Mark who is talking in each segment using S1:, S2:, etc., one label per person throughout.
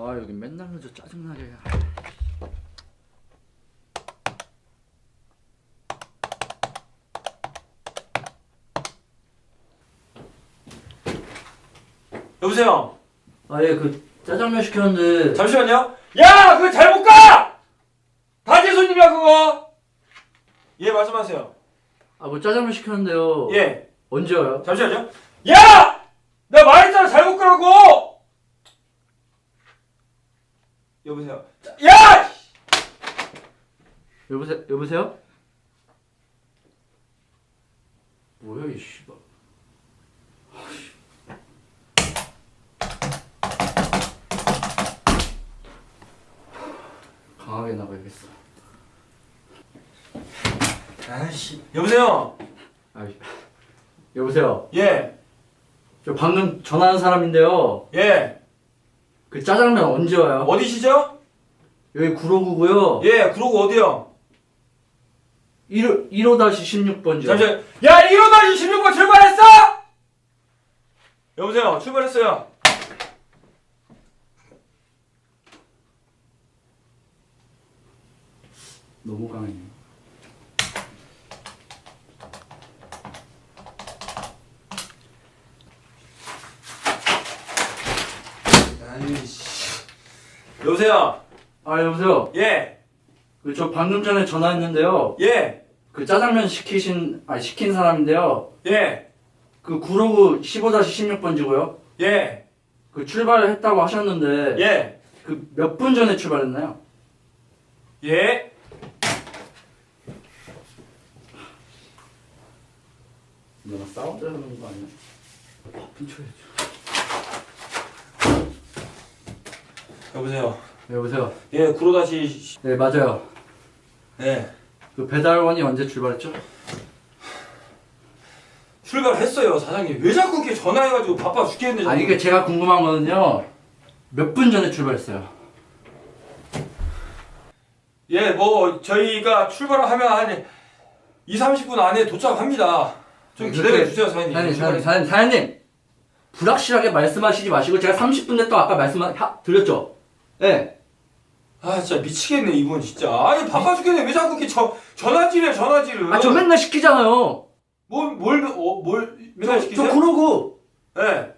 S1: 아 여기 맨날 늦어 짜증나게.
S2: 여보세요?
S1: 아 예 그 짜장면 시켰는데.
S2: 잠시만요. 야! 그거 잘못 가! 단체 손님이야 그거! 예 말씀하세요.
S1: 아 뭐 짜장면 시켰는데요.
S2: 예.
S1: 언제 와요?
S2: 잠시만요. 야! 내가 말했잖아 잘못 가라고! 여보세요? 야!
S1: 여보세요? 뭐야 이 씨발. 강하게 나가야겠어.
S2: 아이씨. 여보세요?
S1: 아 여보세요.
S2: 예.
S1: 저 방금 전화한 사람인데요.
S2: 예.
S1: 그 짜장면 언제 와요?
S2: 어디시죠?
S1: 여기 구로구고요.
S2: 예. 그러고 어디요?
S1: 1호-16번지요.
S2: 잠시만. 야! 1호-16번 출발했어? 여보세요? 출발했어요.
S1: 너무 강해요.
S2: 아이씨. 여보세요?
S1: 아 여보세요.
S2: 예.
S1: 그 저 방금 전에 전화했는데요.
S2: 예.
S1: 그 짜장면 시킨 사람인데요.
S2: 예.
S1: 그 구로구 15-16번지고요.
S2: 예.
S1: 그 출발을 했다고 하셨는데
S2: 예.
S1: 그 몇 분 전에 출발했나요?
S2: 예.
S1: 내가 싸우자는 거 아니야? 바쁜 척 해줘.
S2: 여보세요?
S1: 여보세요.
S2: 예, 구로다시.
S1: 네 맞아요.
S2: 예.
S1: 그 배달원이 언제 출발했죠?
S2: 출발했어요, 사장님. 왜 자꾸 이렇게 전화해가지고 바빠 죽겠는데.
S1: 아니 이게 제가 궁금한 거는요. 몇 분 전에 출발했어요?
S2: 예, 뭐, 저희가 출발을 하면 한 2, 30분 안에 도착합니다. 좀 기다려주세요, 사장님.
S1: 사장님 불확실하게 말씀하시지 마시고 제가 30분 됐다고 아까 드렸죠? 네.
S2: 아, 진짜 미치겠네, 이분 진짜. 아니, 바빠 죽겠네. 왜 자꾸 이렇게 전화질해, 전화질을.
S1: 아 저 맨날 시키잖아요.
S2: 뭘 맨날 시키세요?
S1: 저 그러고
S2: 예.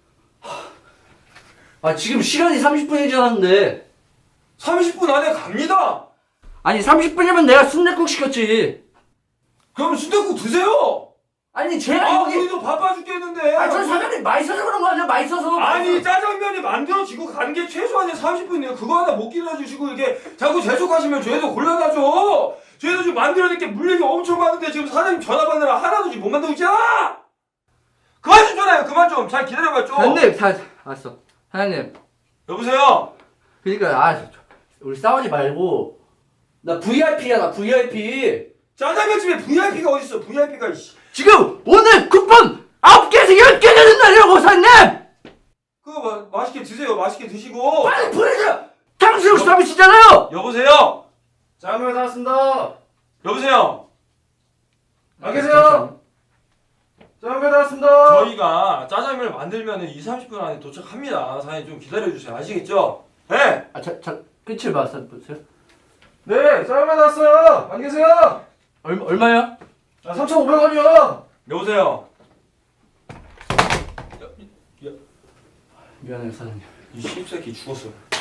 S1: 아 지금 시간이 30분이 지났는데
S2: 30분 안에 갑니다.
S1: 아니 30분이면 내가 순댓국 시켰지.
S2: 그럼 순댓국 드세요.
S1: 아니 제가
S2: 아,
S1: 여기
S2: 우리도 바빠 죽겠는데.
S1: 아니 저 사장님 맛있어서 그런 거 아니야? 맛있어서.
S2: 아니, 짜장면이 만들어지고 간 게 최소한 30분이에요. 그거 하나 못 기다려주시고 이게 자꾸 재촉하시면 저희도 곤란하죠. 저희도 지금 만들어낼 게 물량이 엄청 많은데 지금 사장님 전화 받느라 하나도 지금 못 만들고 있잖아. 그만 좀 전화해요. 그만 좀. 잘 기다려봐 좀.
S1: 사장님 알았어. 사장님
S2: 여보세요.
S1: 그러니까 우리 싸우지 말고 나 VIP야 나 VIP.
S2: 짜장면집에 VIP가 어딨어. VIP가
S1: 지금 오늘 쿠폰 9개에서 10개 되는 날이라고 사장님.
S2: 그거 맛있게 드세요. 맛있게 드시고.
S1: 빨리 보내줘. 탕수육 서비스잖아요.
S2: 여보세요.
S3: 짜장면 나왔습니다.
S2: 여보세요.
S3: 안 계세요? 짜장면 나왔습니다.
S2: 저희가 짜장면을 만들면 2, 30분 안에 도착합니다. 사장님 좀 기다려주세요. 아시겠죠? 네.
S1: 끝을 봤어요.
S3: 네, 짜장면 나왔어요. 안 계세요?
S1: 얼마야?
S3: 3,500원이요.
S2: 여보세요.
S1: 미안해요 사장님.
S2: 이 씹새끼 죽었어.